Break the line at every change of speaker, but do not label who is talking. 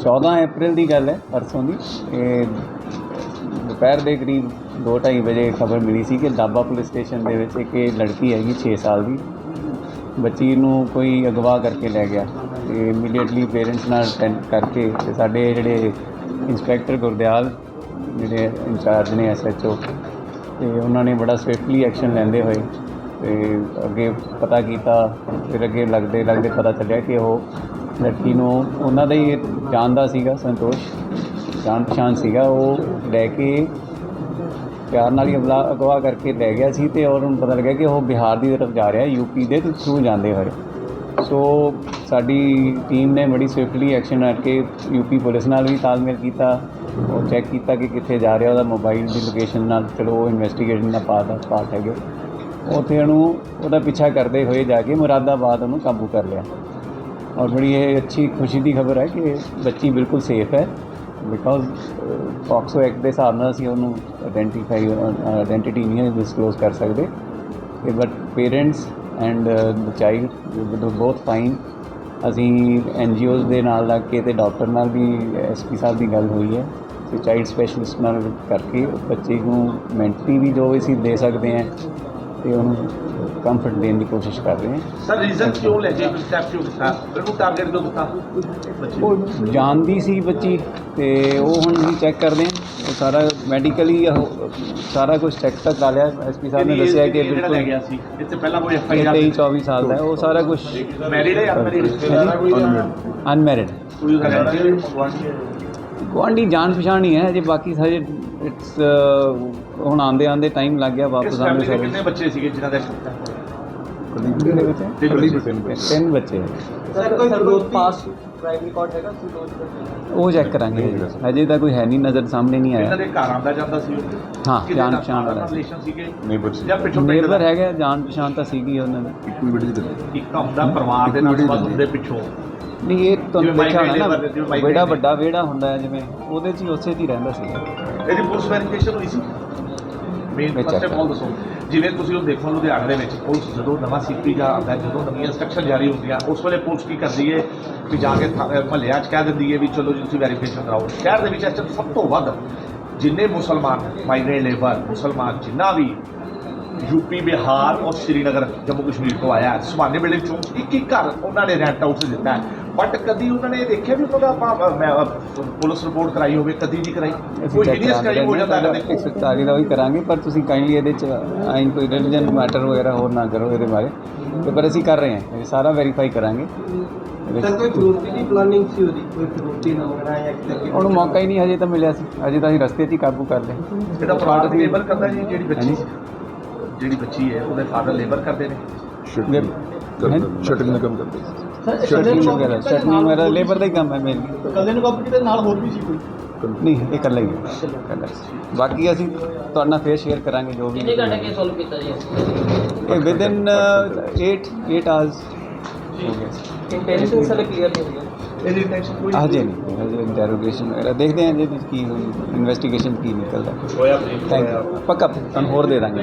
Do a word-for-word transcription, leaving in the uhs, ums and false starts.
चौदह अप्रैल की गल है, परसों की दोपहर के करीब दो ढाई बजे खबर मिली सी कि डाबा पुलिस स्टेशन के विच एक लड़की हैगी छे साल की बच्ची नूं कोई अगवा करके लै गया। तो इमीडिएटली पेरेंट्स नाल अटेंड करके ते साडे जिहड़े इंस्पैक्टर गुरदयाल जिहड़े इंचार्ज ने एस एच ओ तो उन्होंने बड़ा स्विफ्टली एक्शन लैंदे हुए तो अगे पता किया। फिर अगे लगते लगते पता चलिया कि वह लड़की नूं उन्हां दा ही जानदा सीगा, संतोष जान पछाण सीगा, वो लैके प्यार नाल ही अगला अगवा करके लै गया सी ते और उन्हें पता लगा कि वह बिहार की तरफ जा रहा, यूपी के थ्रू जाते हुए। सो साडी टीम ने बड़ी स्विफ्टली एक्शन करके यूपी पुलिस नाल भी तालमेल किया और चैक किया कि कित्थे जा रहा, वह मोबाइल की लोकेशन नाल चलो वो इन्वेस्टिगेशन का पार्ट पार्ट है। उत्थे उहदा पीछा करते हुए जाके मुरादाबाद उन्होंने काबू कर लिया। और बड़ी ये अच्छी खुशी की खबर है कि बच्ची बिल्कुल सेफ है बिकॉज पॉक्सो एक्ट के हिसाब नाल असीं उहनूं आइडेंटिफाई आइडेंटिटी नहीं डिसक्लोज कर सकते। But parents and the child both fine. असीं एन जी ओज़ दे नाल लग के ते डॉक्टर नाल भी एस पी साहब की गल हुई है तो चाइल्ड स्पैशलिस्ट नाल करके बच्चे को मैंटली भी जो भी असीं दे सकते हैं तो उन्होंने कंफर्ट देने की कोशिश कर रहे हैं।
सर रीजन क्यों लगे स्टेप क्यों था बिल्कुल टारगेट क्यों था
वो जानती सी बच्ची तो वो हुण असीं चैक करते हैं वो सारा मैडिकली सारा कुछ चैक तक कर लिया। एस पी साहब ने दस्सिया कि बिल्कुल तेई चौबीस साल का है वो सारा कुछ अनमैरिड गुआढ़ी जान पछाण ही है अजे बाकी सारे इट्स हुण आंदे आंदे टाइम लग गया वापस आने सारे।
कितने बच्चे सीगे जिन्हां दा
तीन बच्चे वो चैक करांगे अजे तक कोई है नहीं नज़र सामने नहीं आया।
घर आंदा जांदा सी
हाँ जान पछाण वाला
रिलेशन सीगे
ਜਾਂ ਪਿੱਛੋਂ ਨੇਬਰ ਹੈਗਾ ਜਾਣ ਪਛਾਣ ਤਾਂ ਸੀਗੀ ਉਹਨਾਂ ਦੀ।
ਇੱਕ ਹੁੰਦਾ ਪਰਿਵਾਰ ਦੇ ਨਾਲ ਸੰਬੰਧ ਹੁੰਦੇ ਪਿੱਛੋਂ
ਨਹੀਂ ਇਹ ਤੁਹਾਨੂੰ ਦੇਖਿਆ ਹੋਣਾ ਨਾ ਵਿਹੜਾ ਵੱਡਾ ਵਿਹੜਾ ਹੁੰਦਾ ਹੈ ਜਿਵੇਂ ਉਹਦੇ 'ਚ ਹੀ ਉਸੇ 'ਚ ਹੀ ਰਹਿੰਦਾ ਸੀਗਾ।
ਇਹਦੀ ਪੁਲਿਸ ਵੈਰੀਫਿਕੇਸ਼ਨ ਹੋਈ ਸੀ ਮੇਨ ਫਸਟ ਆਫ ਆਲ ਦੱਸੋ ਜਿਵੇਂ ਤੁਸੀਂ ਉਹ ਦੇਖੋ ਲੁਧਿਆਣੇ ਦੇ ਵਿੱਚ ਪੁਲਿਸ ਜਦੋਂ ਨਵਾਂ ਸੀਪੀ ਜਾਂ ਆਉਂਦਾ ਜਦੋਂ ਨਵੀਆਂ ਇੰਸਟਰਕਸ਼ਨ ਜਾਰੀ ਹੁੰਦੀਆਂ ਉਸ ਵੇਲੇ ਪੁਲਿਸ ਕੀ ਕਰਦੀ ਹੈ ਕਿ ਜਾ ਕੇ ਮਹੱਲਿਆਂ 'ਚ ਕਹਿ ਦਿੰਦੀ ਹੈ ਵੀ ਚਲੋ ਜੀ ਤੁਸੀਂ ਵੈਰੀਫਿਕੇਸ਼ਨ ਕਰਾਓ। ਸ਼ਹਿਰ ਦੇ ਵਿੱਚ ਇਸ ਟਾਈਮ ਸਭ ਤੋਂ ਵੱਧ ਜਿੰਨੇ ਮੁਸਲਮਾਨ ਮਾਈਗ੍ਰੇਟ ਲੇਬਰ ਮੁਸਲਮਾਨ ਜਿੰਨਾ ਵੀ यूपी बिहार और श्रीनगर जम्मू कश्मीर को आया सुभाने बिल्डिंग चौं एक एक घर उन्होंने रेंट हाउस दिता है बट कभी उन्होंने देखा भी उन्होंने पुलिस रिपोर्ट कराई हो कभी नहीं कराई कोई हीनियस क्राइम हो जाता है
एक सौ चाली का भी करांगे पर तुसीं काइंडली ये आई कोई रिलीजन मैटर वगैरह होर ना करो ये बारे तो पर असीं कर रहे हैं ये सारा वेरीफाई करांगे। ਉਹਨੂੰ ਮੌਕਾ ਹੀ ਨਹੀਂ ਹਜੇ ਤਾਂ ਮਿਲਿਆ ਸੀ ਹਜੇ ਤਾਂ ਅਸੀਂ ਰਸਤੇ 'ਚ ਹੀ ਕਾਬੂ ਕਰ ਲਏ।
ਇਹਦਾ ਪਰਿਵਾਰ ਲੇਬਰ ਕਰਦਾ ਜੀ ਜਿਹੜੀ ਬੱਚੀ ਜਿਹੜੀ ਬੱਚੀ ਹੈ ਉਹਦੇ ਫਾਦਰ ਲੇਬਰ ਕਰਦੇ ਨੇ
ਸ਼ਟਰਿੰਗ ਦਾ ਕੰਮ ਕਰਦੇ
ਸਰ ਸ਼ਟਰਿੰਗ ਵਗੈਰਾ ਸ਼ਟਰਿੰਗ ਵਗੈਰਾ ਲੇਬਰ ਦਾ ਹੀ ਕੰਮ ਹੈ ਮੇਨਲੀ।
ਕੱਲੇ ਨੂੰ ਕਾਬੂ ਕੀਤਾ ਨਾਲ ਹੋਰ ਵੀ ਸੀ ਕੋਈ
ਨਹੀਂ ਇਹ ਇਕੱਲਾ ਹੀ ਹੈ ਇਕੱਲਾ। ਬਾਕੀ ਅਸੀਂ ਤੁਹਾਡੇ ਨਾਲ ਫੇਰ ਸ਼ੇਅਰ ਕਰਾਂਗੇ ਜੋ ਵੀ
ਕਿੰਨੇ ਘੰਟੇ ਕੇ ਸੋਲਵ ਕੀਤਾ ਜੀ
ਇਹ with in eight eight hours ਹੋ ਗਿਆ।
ਇੰਟੈਂਸ਼ਨ ਸਾਲੇ ਕਲੀਅਰ ਨਹੀਂ ਹੋਈ
ਇਹਦੀ ਟੈਂਸ਼ਨ ਕੋਈ
ਹਜੇ ਨਹੀਂ ਹਜੇ ਇੰਟਰੋਗੇਸ਼ਨ ਵਗੈਰਾ ਦੇਖਦੇ ਹਾਂ ਜੇ ਕੀ ਹੋਈ ਇਨਵੈਸਟੀਗੇਸ਼ਨ ਕੀ ਨਿਕਲਦਾ।
ਹੋਇਆ
ਥੈਂਕ ਯੂ ਪੱਕਾ ਤੁਹਾਨੂੰ ਹੋਰ ਦੇ ਦਾਂਗੇ।